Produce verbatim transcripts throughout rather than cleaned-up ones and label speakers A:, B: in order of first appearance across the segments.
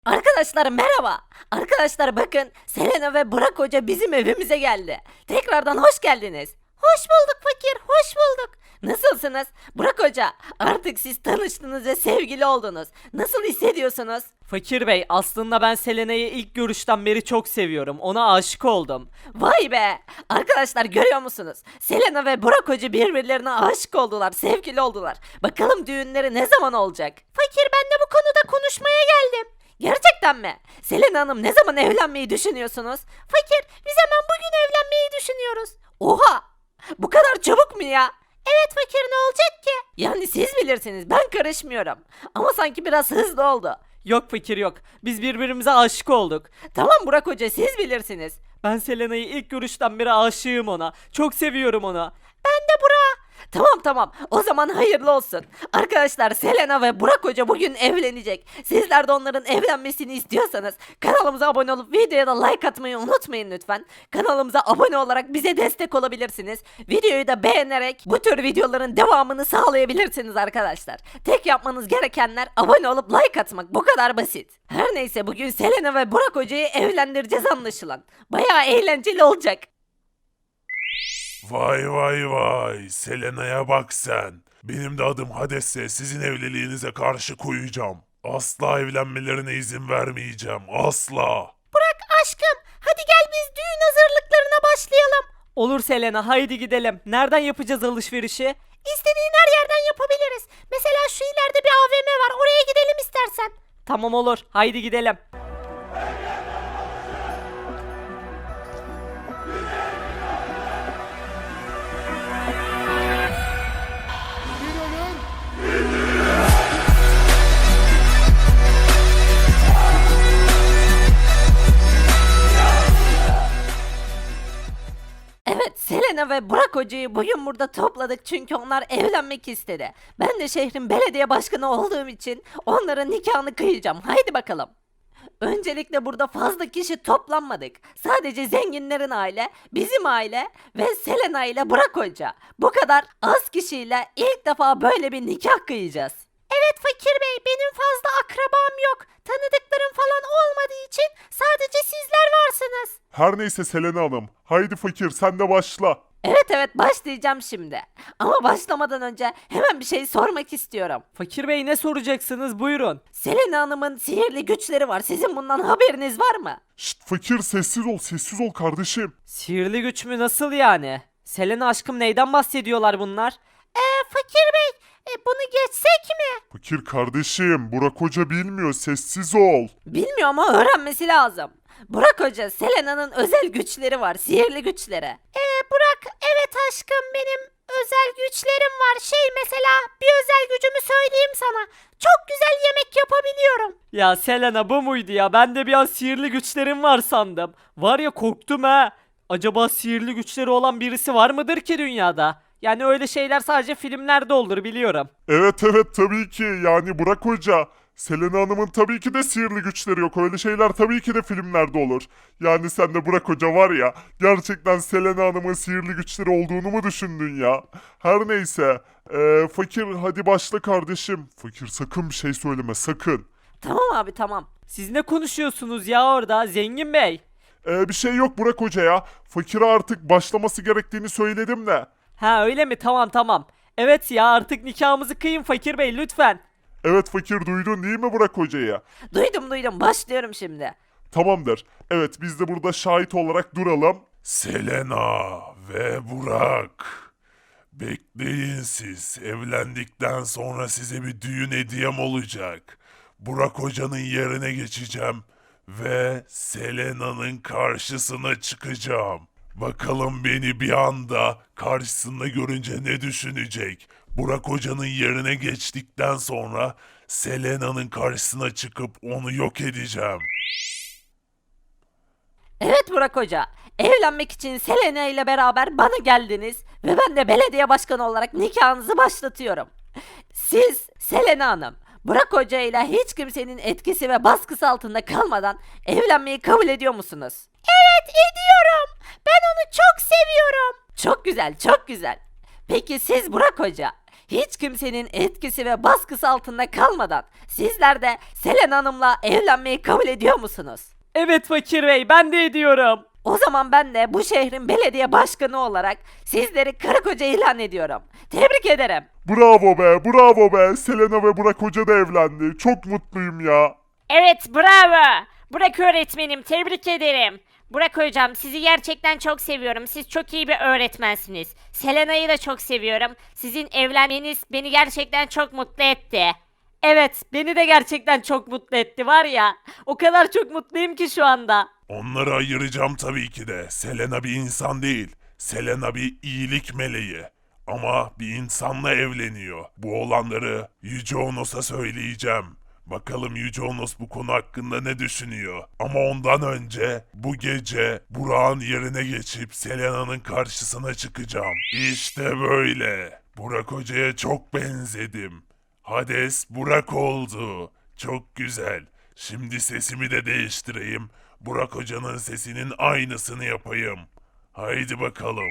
A: Arkadaşlar merhaba. Arkadaşlar bakın Selena ve Burak Hoca bizim evimize geldi. Tekrardan hoş geldiniz. Hoş bulduk fakir, hoş bulduk. Nasılsınız? Burak Hoca, artık siz tanıştınız ve sevgili oldunuz. Nasıl hissediyorsunuz?
B: Fakir Bey, aslında ben Selena'yı ilk görüşten beri çok seviyorum. Ona aşık oldum.
A: Vay be! Arkadaşlar görüyor musunuz? Selena ve Burak Hoca birbirlerine aşık oldular, sevgili oldular. Bakalım düğünleri ne zaman olacak? Fakir, ben de bu konuda konuşmaya geldim. Gerçekten mi? Selena Hanım, ne zaman evlenmeyi düşünüyorsunuz? Fakir, biz hemen bugün evlenmeyi düşünüyoruz. Oha! Bu kadar çabuk mu ya? Evet fakir, ne olacak ki? Yani siz bilirsiniz, ben karışmıyorum. Ama sanki biraz hızlı oldu.
B: Yok fakir yok. Biz birbirimize aşık olduk.
A: Tamam Burak Hoca, siz bilirsiniz.
B: Ben Selena'yı ilk görüşten beri aşığım ona. Çok seviyorum onu.
A: Ben de Burak. Tamam tamam, o zaman hayırlı olsun. Arkadaşlar, Selena ve Burak Hoca bugün evlenecek. Sizler de onların evlenmesini istiyorsanız kanalımıza abone olup videoya da like atmayı unutmayın lütfen. Kanalımıza abone olarak bize destek olabilirsiniz. Videoyu da beğenerek bu tür videoların devamını sağlayabilirsiniz arkadaşlar. Tek yapmanız gerekenler abone olup like atmak, bu kadar basit. Her neyse, bugün Selena ve Burak Hoca'yı evlendireceğiz anlaşılan. Bayağı eğlenceli olacak.
C: Vay vay vay, Selena'ya bak sen. Benim de adım Hades'se sizin evliliğinize karşı koyacağım. Asla evlenmelerine izin vermeyeceğim, asla.
A: Burak aşkım, hadi gel biz düğün hazırlıklarına başlayalım.
B: Olur Selena, haydi gidelim. Nereden yapacağız alışverişi?
A: İstediğin her yerden yapabiliriz. Mesela şu ileride bir A V M var, oraya gidelim istersen.
B: Tamam olur, haydi gidelim.
A: Evet, Selena ve Burak Hoca'yı bugün burada topladık çünkü onlar evlenmek istedi. Ben de şehrin belediye başkanı olduğum için onların nikahını kıyacağım. Haydi bakalım. Öncelikle burada fazla kişi toplanmadık. Sadece zenginlerin aile, bizim aile ve Selena ile Burak Hoca. Bu kadar az kişiyle ilk defa böyle bir nikah kıyacağız. Evet Fakir Bey, benim fazla akrabam yok. Tanıdıklarım falan olmadığı için sadece sizler varsınız.
C: Her neyse Selena Hanım, haydi fakir sen de başla.
A: Evet evet, başlayacağım şimdi. Ama başlamadan önce hemen bir şey sormak istiyorum.
B: Fakir Bey, ne soracaksınız? Buyurun.
A: Selena Hanım'ın sihirli güçleri var. Sizin bundan haberiniz var mı?
C: Şşt fakir sessiz ol, sessiz ol kardeşim.
B: Sihirli güç mü, nasıl yani? Selena aşkım, neyden bahsediyorlar bunlar?
A: Eee Fakir Bey, e, bunu geçsek mi?
C: Fakir kardeşim, Burak Hoca bilmiyor, sessiz ol.
A: Bilmiyorum ama öğrenmesi lazım. Burak Hoca, Selena'nın özel güçleri var. Sihirli güçleri. Eee Burak, evet aşkım, benim özel güçlerim var. Şey, mesela bir özel gücümü söyleyeyim sana. Çok güzel yemek yapabiliyorum.
B: Ya Selena, bu muydu ya? Ben de bir an sihirli güçlerim var sandım. Var ya, korktum ha. Acaba sihirli güçleri olan birisi var mıdır ki dünyada? Yani öyle şeyler sadece filmlerde olur, biliyorum.
C: Evet evet tabii ki, yani Burak Hoca. Selena Hanım'ın tabii ki de sihirli güçleri yok. Öyle şeyler tabii ki de filmlerde olur. Yani sen de Burak Hoca var ya, gerçekten Selena Hanım'ın sihirli güçleri olduğunu mu düşündün ya? Her neyse. Ee, fakir hadi başla kardeşim. Fakir sakın bir şey söyleme, sakın.
A: Tamam abi, tamam.
B: Siz ne konuşuyorsunuz ya orada Zengin Bey?
C: Ee, bir şey yok Burak Hoca ya. Fakire artık başlaması gerektiğini söyledim de.
B: Ha, öyle mi? Tamam tamam. Evet ya, artık nikahımızı kıyın Fakir Bey lütfen.
C: Evet fakir, duydun değil mi Burak Hoca'yı?
A: Duydum duydum, başlıyorum şimdi.
C: Tamamdır. Evet biz de burada şahit olarak duralım. Selena ve Burak. Bekleyin siz. Evlendikten sonra size bir düğün hediyem olacak. Burak Hoca'nın yerine geçeceğim ve Selena'nın karşısına çıkacağım. Bakalım beni bir anda karşısında görünce ne düşünecek? Burak Hoca'nın yerine geçtikten sonra Selena'nın karşısına çıkıp onu yok edeceğim.
A: Evet Burak Hoca, evlenmek için Selena ile beraber bana geldiniz ve ben de belediye başkanı olarak nikahınızı başlatıyorum. Siz Selena Hanım, Burak Hoca ile hiç kimsenin etkisi ve baskısı altında kalmadan evlenmeyi kabul ediyor musunuz? Evet, ediyorum. Ben onu çok seviyorum. Çok güzel, çok güzel. Peki siz Burak Hoca, hiç kimsenin etkisi ve baskısı altında kalmadan sizler de Selena Hanım'la evlenmeyi kabul ediyor musunuz?
B: Evet Fakir Bey, ben de ediyorum.
A: O zaman ben de bu şehrin belediye başkanı olarak sizleri karı koca ilan ediyorum. Tebrik ederim.
C: Bravo be, bravo be. Selena ve Burak Hoca da evlendi. Çok mutluyum ya.
D: Evet, bravo. Burak öğretmenim, tebrik ederim. Burak hocam, sizi gerçekten çok seviyorum. Siz çok iyi bir öğretmensiniz. Selena'yı da çok seviyorum. Sizin evlenmeniz beni gerçekten çok mutlu etti.
B: Evet, beni de gerçekten çok mutlu etti var ya. O kadar çok mutluyum ki şu anda.
C: Onları ayıracağım tabii ki de. Selena bir insan değil. Selena bir iyilik meleği. Ama bir insanla evleniyor. Bu olanları Yüce Onos'a söyleyeceğim. Bakalım Yüce Onos bu konu hakkında ne düşünüyor. Ama ondan önce bu gece Burak'ın yerine geçip Selena'nın karşısına çıkacağım. İşte böyle. Burak Hoca'ya çok benzedim. Hades Burak oldu. Çok güzel. Şimdi sesimi de değiştireyim. Burak Hoca'nın sesinin aynısını yapayım. Haydi bakalım.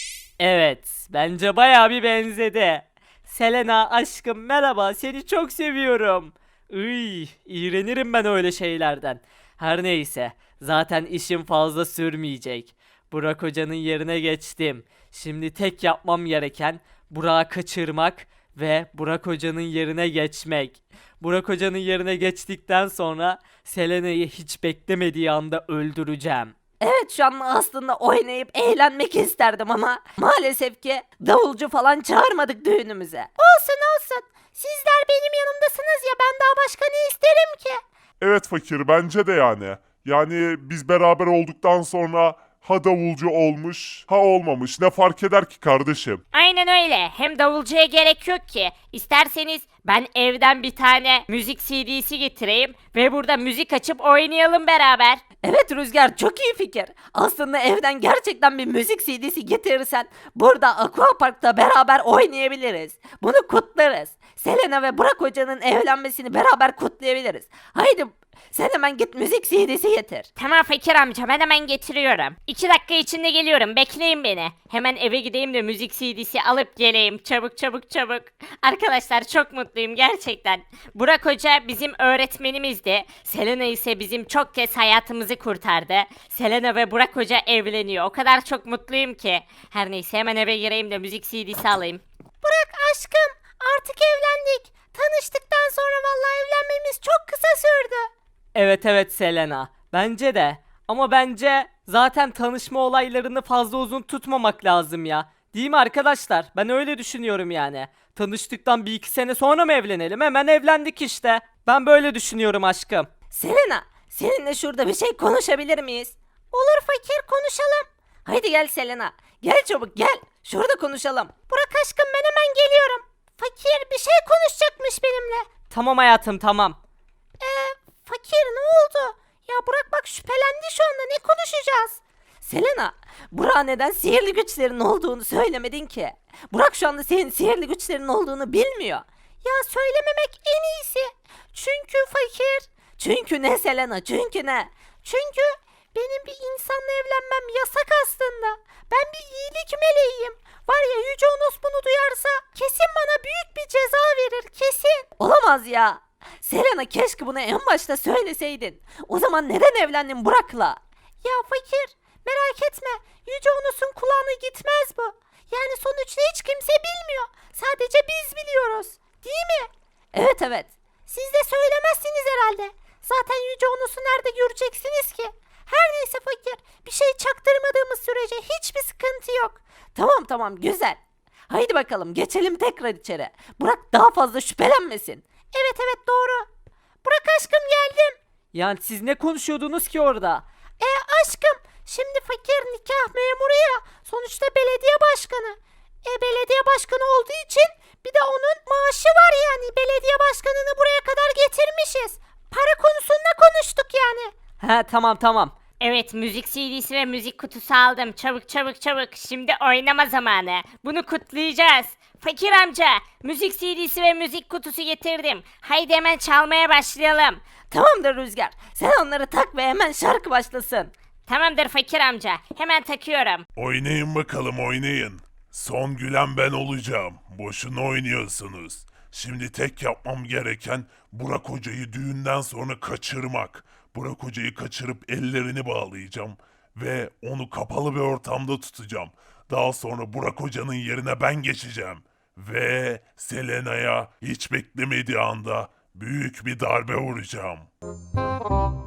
B: Evet, bence bayağı bir benzedi. Selena aşkım merhaba, seni çok seviyorum. Iy, iğrenirim ben öyle şeylerden. Her neyse, zaten işim fazla sürmeyecek. Burak Hoca'nın yerine geçtim. Şimdi tek yapmam gereken Burak'ı kaçırmak ve Burak Hoca'nın yerine geçmek. Burak Hoca'nın yerine geçtikten sonra Selena'yı hiç beklemediği anda öldüreceğim.
A: Evet şu an aslında oynayıp eğlenmek isterdim ama maalesef ki davulcu falan çağırmadık düğünümüze. Olsun olsun. Sizler benim yanımdasınız ya ben daha başka ne isterim ki?
C: Evet Fakir, bence de yani. Yani biz beraber olduktan sonra ha davulcu olmuş ha olmamış. Ne fark eder ki kardeşim?
D: Aynen öyle. Hem davulcuya gerek yok ki. İsterseniz ben evden bir tane müzik C D'si getireyim ve burada müzik açıp oynayalım beraber.
A: Evet Rüzgar çok iyi fikir. Aslında evden gerçekten bir müzik C D'si getirirsen burada Aqua Park'ta beraber oynayabiliriz. Bunu kutlarız. Selena ve Burak Hoca'nın evlenmesini beraber kutlayabiliriz. Haydi sen hemen git müzik C D'si getir.
D: Tamam Fakir amca, ben hemen getiriyorum. İki dakika içinde geliyorum, bekleyin beni. Hemen eve gideyim de müzik C D'si alıp geleyim. Çabuk çabuk çabuk. Arkadaşlar çok mutluyum gerçekten. Burak Hoca bizim öğretmenimizdi. Selena ise bizim çok kez hayatımızı kurtardı. Selena ve Burak Hoca evleniyor. O kadar çok mutluyum ki. Her neyse hemen eve gireyim de müzik C D'si alayım.
A: Burak aşkım artık evlendik. Tanıştıktan sonra vallahi evlenmemiz çok kısa sürdü.
B: Evet evet Selena. Bence de. Ama bence zaten tanışma olaylarını fazla uzun tutmamak lazım ya. Değil mi arkadaşlar? Ben öyle düşünüyorum yani. Tanıştıktan bir iki sene sonra mı evlenelim? Hemen evlendik işte. Ben böyle düşünüyorum aşkım.
A: Selena, seninle şurada bir şey konuşabilir miyiz? Olur fakir konuşalım. Haydi gel Selena. Gel çabuk gel. Şurada konuşalım. Burak aşkım ben hemen geliyorum. Fakir bir şey konuşacakmış benimle.
B: Tamam hayatım tamam.
A: Eee fakir ne oldu? Ya Burak bak şüphelendi şu anda ne konuşacağız? Selena, Burak'a neden sihirli güçlerin olduğunu söylemedin ki? Burak şu anda senin sihirli güçlerin olduğunu bilmiyor. Ya söylememek en iyisi. Çünkü fakir. Çünkü ne Selena, çünkü ne? Çünkü benim bir insanla evlenmem yasak aslında. Ben bir iyilik meleğiyim. Var ya Yüce Onos bunu duyarsa kesin bana büyük bir ceza verir kesin. Olamaz ya. Selena keşke bunu en başta söyleseydin. O zaman neden evlendin Burak'la? Ya fakir merak etme. Yüce Onos'un kulağına gitmez bu. Yani sonuçta hiç kimse bilmiyor. Sadece biz biliyoruz. Değil mi? Evet evet. Siz de söylemezsiniz herhalde. Zaten Yüce Onos'u nerede göreceksiniz ki? Her neyse fakir. Bir şey çaktırmadığımız sürece hiçbir sıkıntı yok. Tamam tamam güzel. Haydi bakalım geçelim tekrar içeri. Burak daha fazla şüphelenmesin. Evet evet doğru. Burak aşkım geldim.
B: Yani siz ne konuşuyordunuz ki orada?
A: E aşkım şimdi fakir nikah memuru ya. Sonuçta belediye başkanı. E belediye başkanı olduğu için bir de onun maaşı var yani. Belediye başkanını buraya kadar getirmişiz. Para konusunda konuştuk yani.
B: He tamam tamam.
D: Evet, müzik C D'si ve müzik kutusu aldım. Çabuk çabuk çabuk. Şimdi oynama zamanı. Bunu kutlayacağız. Fakir amca, müzik C D'si ve müzik kutusu getirdim. Haydi hemen çalmaya başlayalım.
A: Tamamdır Rüzgar. Sen onları tak ve hemen şarkı başlasın.
D: Tamamdır Fakir amca. Hemen takıyorum.
C: Oynayın bakalım, oynayın. Son gülen ben olacağım. Boşuna oynuyorsunuz. Şimdi tek yapmam gereken Burak Hoca'yı düğünden sonra kaçırmak. Burak Hoca'yı kaçırıp ellerini bağlayacağım ve onu kapalı bir ortamda tutacağım. Daha sonra Burak Hoca'nın yerine ben geçeceğim. Ve Selena'ya hiç beklemediği anda büyük bir darbe vuracağım.